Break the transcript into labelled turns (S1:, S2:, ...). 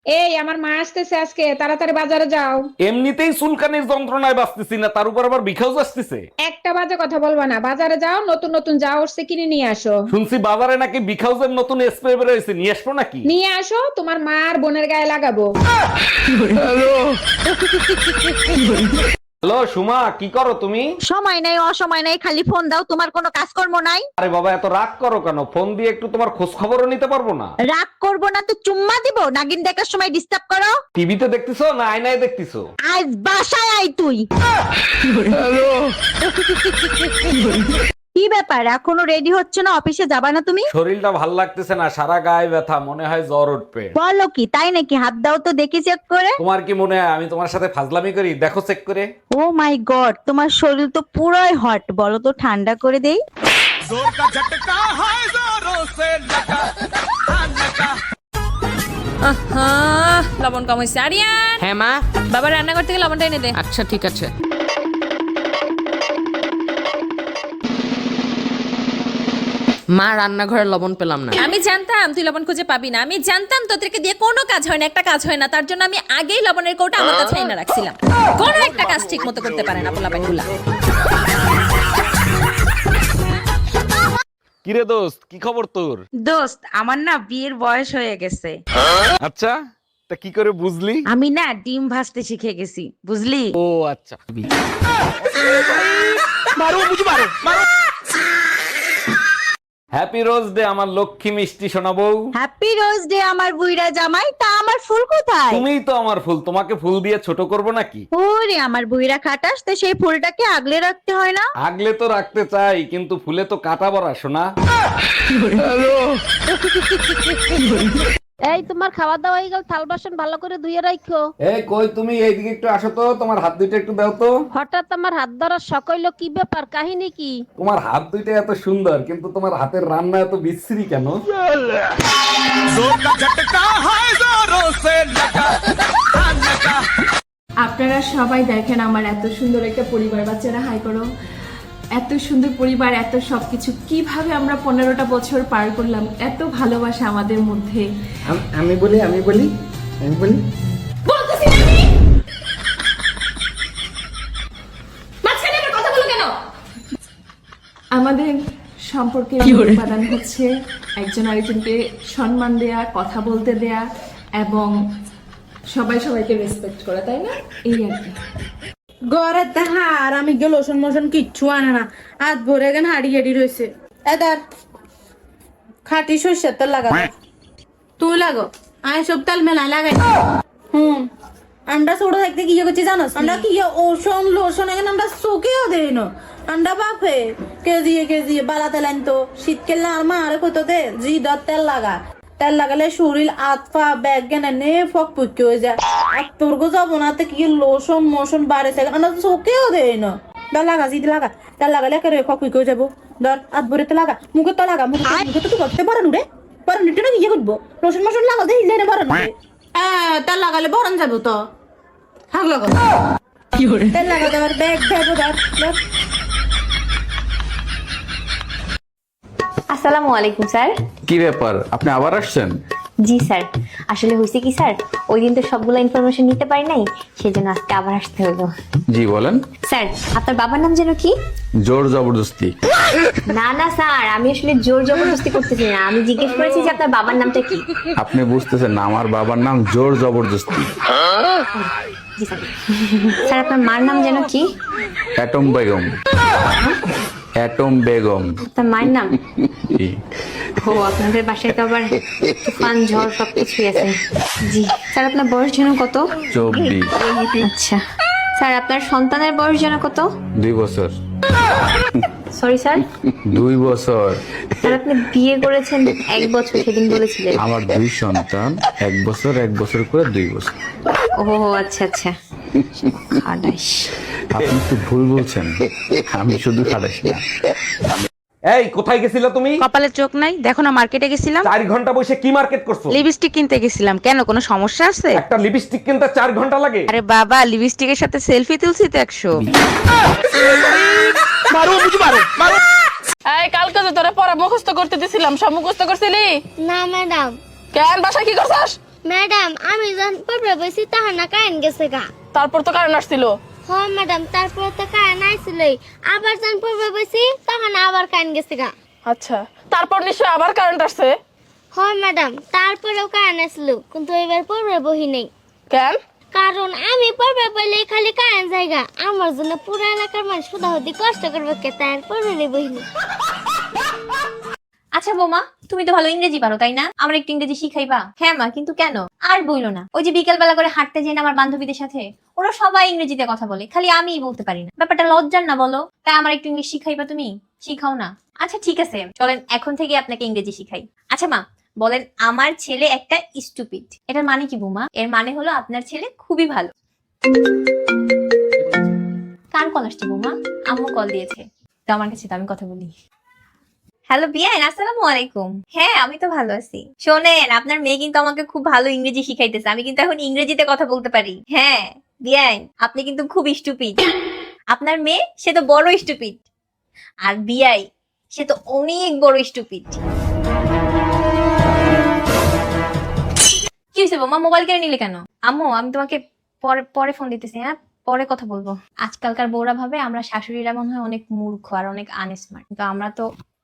S1: এই আমার মা আসতেছে আজকে, তাড়াতাড়ি বাজারে যাও।
S2: এমনিতেই চুলকানির যন্ত্রণায় বাঁচতেছি না, তার উপর আবার বিখাউজ আসতেছে।
S1: একটা বাজে কথা বলবা না, বাজারে যাও, নতুন নতুন যা উঠছে কিনে নিয়ে আসো।
S2: শুনছি বাজারে নাকি বিখাউজের নতুন স্প্রে বের হয়েছে, নিয়ে আসবো নাকি?
S1: নিয়ে আসো, তোমার মা আর বোনের গায়ে লাগাবো।
S2: হ্যালো সুমা, কি করো তুমি?
S3: সময় নাই, অসময় নাই, খালি ফোন দাও। তোমার কোনো কাজকর্ম নাই?
S2: আরে বাবা, এত রাগ করো কেন? ফোন দিয়ে একটু তোমার খোঁজ খবরও নিতে পারবো না?
S3: রাগ করবো না তো চুম্মা দিব? নাগিন দেখার সময় ডিস্টার্ব করো।
S2: টিভিতে দেখতেছো না আয়নায় দেখতেছো?
S3: আজ বাসায় আই তুই। কি ব্যাপার, এখনো রেডি হচ্ছে না? অফিসে যাবা না তুমি?
S2: শরীরটা ভাল লাগতেছে না, সারা গায়ে ব্যথা, মনে হয় জ্বর উঠবে।
S3: বলো কি, তাই নাকি? হাত দাও তো দেখি চেক করে।
S2: তোমার কি মনে হয় আমি তোমার সাথে ফাজলামি করি? দেখো চেক করে।
S3: ও মাই গড, তোমার শরীর তো পুরোই হট। বলো তো ঠান্ডা করে দেই।
S4: আহা, লবণ কম হয়েছে। আরিয়ান,
S5: হ্যাঁ মা।
S4: বাবা রান্নাঘর থেকে লবণটা এনে দে।
S5: আচ্ছা ঠিক আছে। মা, রান্নাঘরে লবণ পেলাম না।
S4: আমি জানতাম তুই লবণ খুঁজে পাবি না। আমি জানতাম তোদেরকে দিয়ে কোনো কাজ হয় না, একটা কাজ হয় না। তার জন্য আমি আগেই লবণের কৌটা আমার কাছে এনে রাখছিলাম। কোনো একটা কাজ ঠিক মতো করতে পারে না পোলাপাইনগুলা।
S2: কিরে দোস্ত, কি খবর তোর?
S6: দোস্ত, আমার না বিয়ের বয়স হয়ে গেছে।
S2: আচ্ছা, তা কি করে বুঝলি?
S6: আমি না ডিম ভাজতে শিখে গেছি, বুঝলি?
S2: ও আচ্ছা। হ্যাপি রোজ ডে আমার লক্ষ্মী মিষ্টি সোনা বউ।
S3: হ্যাপি রোজ ডে আমার বুইড়া জামাই। তা আমার ফুল কোথায়?
S2: তুমিই তো আমার ফুল, তোমাকে ফুল দিয়ে ছোট করব নাকি?
S3: ওরে আমার বুইড়া খাটাস, তো সেই ফুলটাকে আগলে রাখতে হয় না?
S2: আগলে তো রাখতে চাই, কিন্তু ফুলে তো কাটা বড়া সোনা।
S7: এই তোমার খাওয়া দাওয়া হয়ে গেল, থাল বাসন ভালো করে ধুয়ে রাখো।
S2: এই কই তুমি, এইদিকে একটু আসো তো, তোমার হাত দুইটা একটু দাও তো।
S7: হঠাৎ আমার হাত ধরার শখ হইলো, কি ব্যাপার, কাহিনী কি?
S2: তোমার হাত দুইটা এত সুন্দর, কিন্তু তোমার হাতের রান্না এত বিশ্রী কেন?
S8: আপনারা সবাই দেখেন আমার এত সুন্দর একটা পরিবার। বাচ্চারা হাই করো। এত সুন্দর পরিবার, এত সবকিছু, কিভাবে আমরা 15টা বছর পার করলাম, এত ভালোবাসা আমাদের মধ্যে।
S9: আমি বলি
S4: বলতেছি না আমি। মাঝখানে আবার কথা বলো কেন?
S8: আমাদের সম্পর্কে উপাদান হচ্ছে একজন আরেকজনকে সম্মান দেয়া, কথা বলতে দেয়া এবং সবাই সবাইকে রেসপেক্ট করা, তাই না? এই আর কি।
S6: ঘরে তাহার আমি গেল লোশন মোশন কিচ্ছু আনে না, হাত ভরে গেন হাড়ি হাড়ি রয়েছে। এদার খাটি সর্ষের তেল লাগা, তুই লাগো, আমি সব তেল মেলা লাগাই। আমরা ছোট থাকতে কি করছি জানো? আমরা কি ওষুন লোশন এখানে আমরা চোখেও দেই না। আমরা বাপে কেজি বালা তেল আনতো, শীতকালে আর মা আরে কত দে জি দর তেল লাগা। তেল লাগালে শরীর আতফা ব্যাগ গেনে নে ফক পুকি হয়ে যায়। আর তোর গো যাবো না কি লোশন মোশন বাড়ে থাকে, আমরা চোখেও দেই না। তেল লাগা, জিদ লাগা, তেল লাগালে একেবারে ফক পুকি হয়ে যাবো। ধর হাত ভরে তো লাগা, মুখে তো লাগা, মুখে তো করতে পারেন রে, পারেন এটা কি করবো? লোশন মোশন লাগাতে হিলে না পারেন। তেল লাগালে বরণ যাবো তো। হাগ লাগো তেল লাগাতে আবার ব্যাগ দেবো। ধর
S10: আসসালামু আলাইকুম স্যার।
S2: কি ব্যাপার, আপনি আবার আসছেন?
S10: জি স্যার, আসলে হয়েছে কি স্যার, ওই দিন তো সবগুলো ইনফরমেশন নিতে পারি নাই, সেজন্য আজকে আবার আসতে হলো।
S2: জি বলেন।
S10: স্যার, আপনার বাবার নাম যেন কি?
S2: জোর জবরদস্তি।
S10: না না স্যার, আমি আসলে জোর জবরদস্তি করতেছি না, আমি জিজ্ঞেস করেছি যে আপনার বাবার নামটা কি।
S2: আপনি বুঝতেছেন না, আমার বাবার নাম জোর জবরদস্তি।
S10: জি স্যার। স্যার, আপনার মার নাম যেন কি?
S2: অ্যাটম বেগম। অ্যাটম বেগম।
S10: আপনার মায়ের নাম?
S2: জি।
S10: ও, আপনাদের বাসায় তো আবার তুফান ঝড় সবকিছুই আছে। জি স্যার, আপনার বয়স যেন কত?
S2: 24।
S10: আচ্ছা স্যার, আপনার সন্তানের বয়স যেন কত?
S2: 2 বছর।
S10: Sorry sir?
S2: 2 বছর।
S10: স্যার, আপনি বিয়ে করেছেন 1 বছর, সেদিন বলেছিলেন।
S2: আমার 2 সন্তান, 1 বছর 1 বছর করে 2 বছর।
S10: ও আচ্ছা আচ্ছা, খাটাস।
S2: আপনি তো ভুল বলছেন, আমি শুধু খাটাস না। এই কোথায় গেছিলা তুমি?
S6: কপালে চোখ নাই, দেখো না মার্কেটে গেছিলাম।
S2: 4 ঘন্টা বসে কি মার্কেট করছো?
S6: লিপস্টিক কিনতে গেছিলাম। কেন, কোনো সমস্যা আছে?
S2: একটা লিপস্টিক কিনতে 4 ঘন্টা লাগে?
S6: আরে বাবা, লিপস্টিকের সাথে সেলফি তুলছি তো 100।
S8: এই কালকে যে তোরা পড়া মুখস্থ করতে দিছিলাম, সব মুখস্থ করছিলি?
S7: না ম্যাডাম।
S8: কেন বাসায় কি করছস?
S9: ম্যাডাম আমি যখন পড়বে বসি তখন না কারেন্ট গেছে গা।
S8: তারপর তো কারণ আসছিল।
S9: হ ম্যাডাম, তারপরে তো কারেন্ট আইছিলই, আবার যখন পড়বে বসি তখন আবার কারেন্ট গেছে গা।
S8: আচ্ছা, তারপর নিশ্চয় আবার কারেন্ট আসছে।
S9: হ ম্যাডাম, তারপরেও কারেন্ট আসছিল, কিন্তু এবার পড়বে বহি নেই।
S8: কেন?
S9: কারণ আমি পড়বে বলে খালি কারেন্ট জায়গা, আমার জন্য পুরো এলাকার মানুষ হুদাহুদি কষ্ট করবে কে, তাই আর পড়বে বহি নেই।
S10: আচ্ছা বৌমা, তুমি তো ভালো ইংরেজি পারো তাই না? আমার একটু ইংরেজি শিখাইবা? হ্যাঁ মা, কিন্তু কেন? আর বইলো না, ওই যে বিকেল বেলা করে হাঁটতে যাই না আমার বান্ধবীদের সাথে, ওরা সবাই ইংরেজিতে কথা বলে, খালি আমিই বলতে পারি না। ব্যাপারটা লজ্জার না বলো? তাই আমার একটু ইংলিশ শিখাইবা তুমি? শিখাও না? আচ্ছা ঠিক আছে, চলেন এখন থেকে আপনাকে ইংরেজি শিখাই। আচ্ছা মা বলেন, আমার ছেলে একটা স্টুপিড, এটার মানে কি বৌমা? এর মানে হলো আপনার ছেলে খুবই ভালো। কার কল আসছে বৌমা? আম্মু কল দিয়েছে, তো আমার কাছে, তো আমি কথা বলি। হ্যালো বিয়ান, আসসালামু আলাইকুম। হ্যাঁ আমি তো ভালো আছি। শোনেন, আপনার মেয়ে কিন্তু আমাকে খুব ভালো ইংরেজি শিখাইতেছে, আমি কিন্তু এখন ইংরেজিতে কথা বলতে পারি। হ্যাঁ বিয়ান, আপনি কিন্তু খুব স্টুপিড। আপনার মেয়ে সে তো বড় স্টুপিড, আর বিয়াই সে তো অনেক বড় স্টুপিড। কি হয়েছে বৌমা, মোবাইল কেড়ে নিলে কেন? আম্মু আমি তোমাকে পরে পরে ফোন দিতেছি, হ্যাঁ পরে কথা বলবো। আজকালকার বউরা ভাবে আমরা শাশুড়িরা মনে হয় অনেক মূর্খ আর অনেক আনস্মার্ট, কিন্তু আমরা তো